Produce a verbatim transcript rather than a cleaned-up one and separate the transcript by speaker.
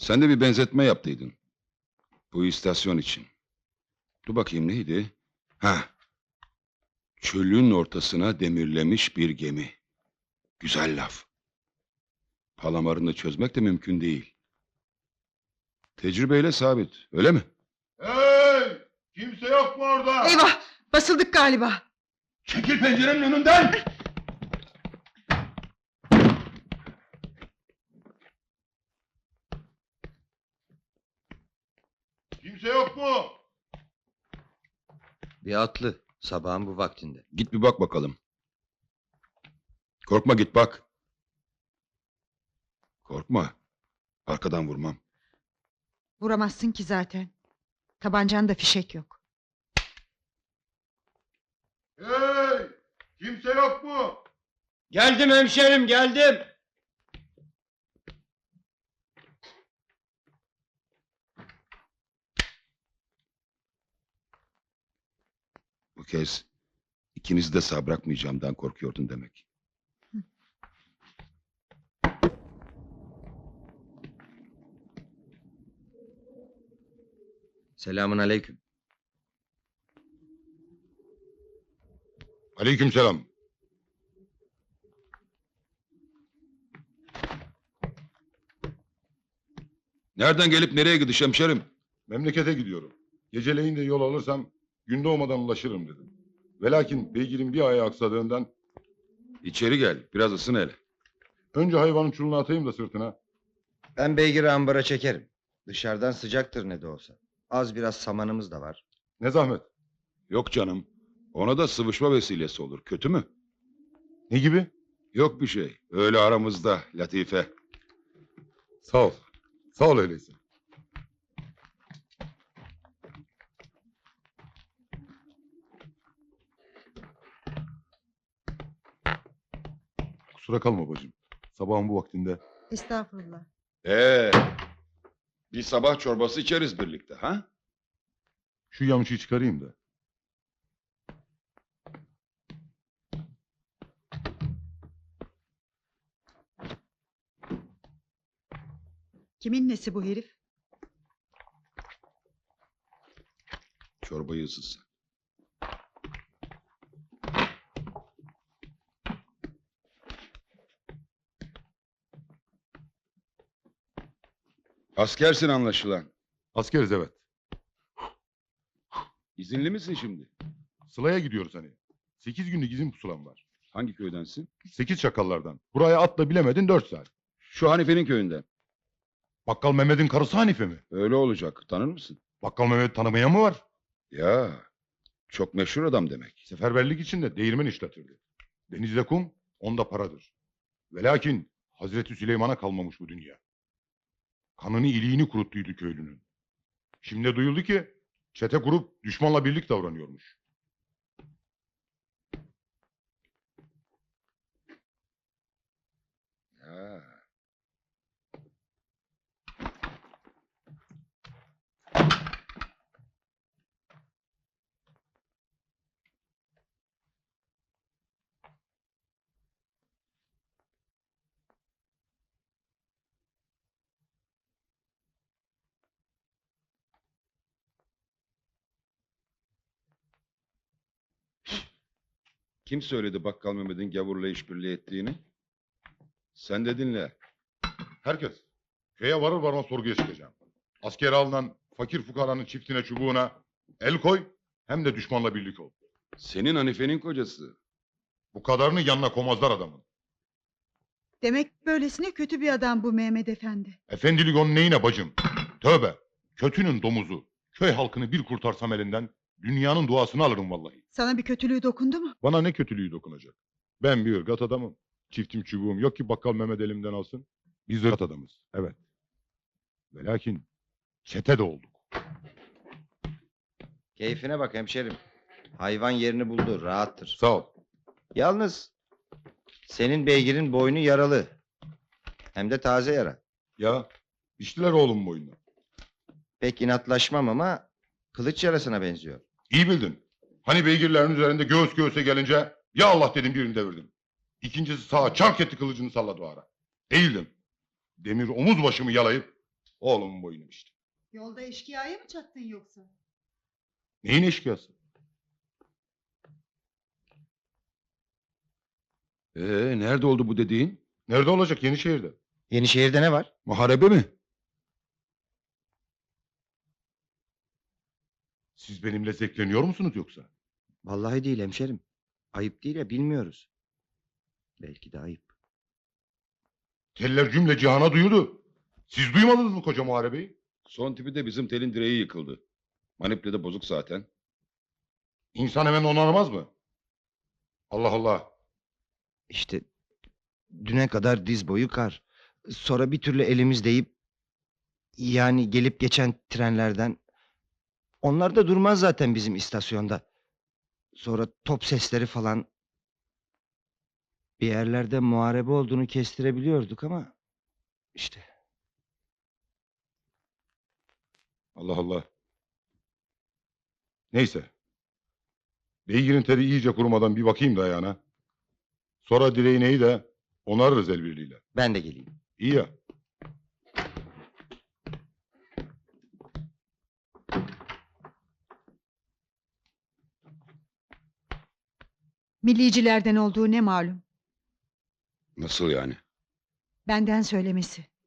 Speaker 1: Sen de bir benzetme yaptıydın. Bu istasyon için. Dur bakayım neydi? Ha. Çölün ortasına demirlemiş bir gemi. Güzel laf. Palamarını çözmek de mümkün değil. Tecrübeyle sabit, öyle mi?
Speaker 2: Hey! Kimse yok mu orada?
Speaker 3: Eyvah! Basıldık galiba.
Speaker 2: Çekil pencerenin önünden! Kimse yok mu?
Speaker 4: Bir atlı, sabahın bu vaktinde.
Speaker 1: Git bir bak bakalım. Korkma, git bak. Korkma. Arkadan vurmam.
Speaker 3: Vuramazsın ki zaten. Tabancanda fişek yok.
Speaker 2: Hey! Kimse yok mu?
Speaker 4: Geldim hemşerim, geldim.
Speaker 1: Bu kez ikinizi de sağ bırakmayacağımdan korkuyordun demek.
Speaker 4: Selamun aleyküm.
Speaker 2: Aleykümselam.
Speaker 1: Nereden gelip nereye gidiş hemşerim?
Speaker 2: Memlekete gidiyorum. Geceleyin de yol alırsam gün doğmadan ulaşırım dedim. Velakin beygirin bir ayağı aksadığından
Speaker 1: İçeri gel, biraz ısın hele.
Speaker 2: önce hayvanın çulunu atayım da sırtına.
Speaker 4: Ben beygiri ambara çekerim. Dışarıdan sıcaktır ne de olsa. Az biraz samanımız da var.
Speaker 2: Ne zahmet.
Speaker 1: Yok canım, ona da sıvışma vesilesi olur, kötü mü?
Speaker 2: Ne gibi?
Speaker 1: Yok bir şey, öyle aramızda, latife.
Speaker 2: Sağ ol. Sağ ol öyleyse. Kusura kalma bacım. Sabahın bu vaktinde.
Speaker 3: Estağfurullah.
Speaker 1: Ee, bir sabah çorbası içeriz birlikte, ha?
Speaker 2: Şu yamışı çıkarayım da.
Speaker 3: Kimin nesi bu herif?
Speaker 1: Çorbayı ısıtsın. Askersin anlaşılan.
Speaker 2: Askeriz evet.
Speaker 1: İzinli misin şimdi?
Speaker 2: Sıla'ya gidiyoruz hani. Sekiz günlük izin pusulam var.
Speaker 1: Hangi köydensin?
Speaker 2: Sekiz çakallardan. Buraya atla bilemedin dört saat.
Speaker 1: Şu Hanife'nin köyünden.
Speaker 2: Bakkal Mehmet'in karısı Hanife mi?
Speaker 1: Öyle olacak, tanır mısın?
Speaker 2: Bakkal Mehmet tanımaya mı var?
Speaker 1: Ya, çok meşhur adam demek.
Speaker 2: Seferberlik içinde değirmen işletirdi. Denizde kum, onda paradır. Velakin Hazreti Süleyman'a kalmamış bu dünya. Kanını iliğini kuruttuydu köylünün. Şimdi duyuldu ki çete kurup düşmanla birlik davranıyormuş.
Speaker 1: Ya. Kim söyledi Bakkal Mehmet'in gavurla işbirliği ettiğini? Sen de dinle.
Speaker 2: Herkes köye varır varmaz sorguya çıkacağım. Askere alınan fakir fukaranın çiftine çubuğuna el koy, hem de düşmanla birlik ol.
Speaker 1: Senin Hanife'nin kocası.
Speaker 2: Bu kadarını yanına komazlar adamın.
Speaker 3: Demek böylesine kötü bir adam bu Mehmet Efendi.
Speaker 2: Efendilik onun neyine bacım? Tövbe, kötünün domuzu. Köy halkını bir kurtarsam elinden dünyanın duasını alırım vallahi.
Speaker 3: Sana bir kötülüğü dokundu mu?
Speaker 2: Bana ne kötülüğü dokunacak? Ben bir ırgat adamım. Çiftim çubuğum yok ki bakkal Mehmet elimden alsın. Biz ırgat adamız, evet. Ve lakin çete de olduk.
Speaker 4: Keyfine bak hemşerim. Hayvan yerini buldu, rahattır.
Speaker 2: Sağ ol.
Speaker 4: Yalnız senin beygirin boynu yaralı. Hem de taze yara.
Speaker 2: Ya, içtiler oğlum boynuna.
Speaker 4: Pek inatlaşmam ama kılıç yarasına benziyor.
Speaker 2: İyi bildin. Hani beygirlerin üzerinde göğüs göğüse gelince ya Allah dedim birini devirdim. İkincisi sağa çark etti kılıcını salladı o ara. Eğildim. Demir omuz başımı yalayıp Oğlumun boyunu işte.
Speaker 3: Yolda eşkıyaya mı çattın yoksa?
Speaker 2: Neyin eşkıyası?
Speaker 1: Ee, nerede oldu bu dediğin?
Speaker 2: Nerede olacak? Yenişehir'de.
Speaker 4: Yenişehir'de ne var?
Speaker 1: Muharebe mi?
Speaker 2: Siz benimle zevkleniyor musunuz yoksa?
Speaker 4: Vallahi değil hemşerim. Ayıp değil ya, bilmiyoruz. Belki de ayıp.
Speaker 2: Teller cümle cihana duyuldu. Siz duymadınız mı koca muharebeyi?
Speaker 1: Son tipi de bizim telin direği yıkıldı. Maniple de bozuk zaten.
Speaker 2: İnsan hemen onarmaz mı? Allah Allah.
Speaker 4: İşte düne kadar diz boyu kar. Sonra bir türlü elimiz deyip, yani gelip geçen trenlerden, onlar da durmaz zaten bizim istasyonda. Sonra top sesleri falan. Bir yerlerde muharebe olduğunu kestirebiliyorduk ama işte.
Speaker 2: Allah Allah. Neyse. Beygirin teri iyice kurumadan bir bakayım da ayağına. Sonra direğineyi de onarırız el birliğiyle.
Speaker 4: Ben de geleyim.
Speaker 2: İyi ya.
Speaker 3: Millicilerden olduğu ne malum?
Speaker 1: Nasıl yani?
Speaker 3: Benden söylemesi.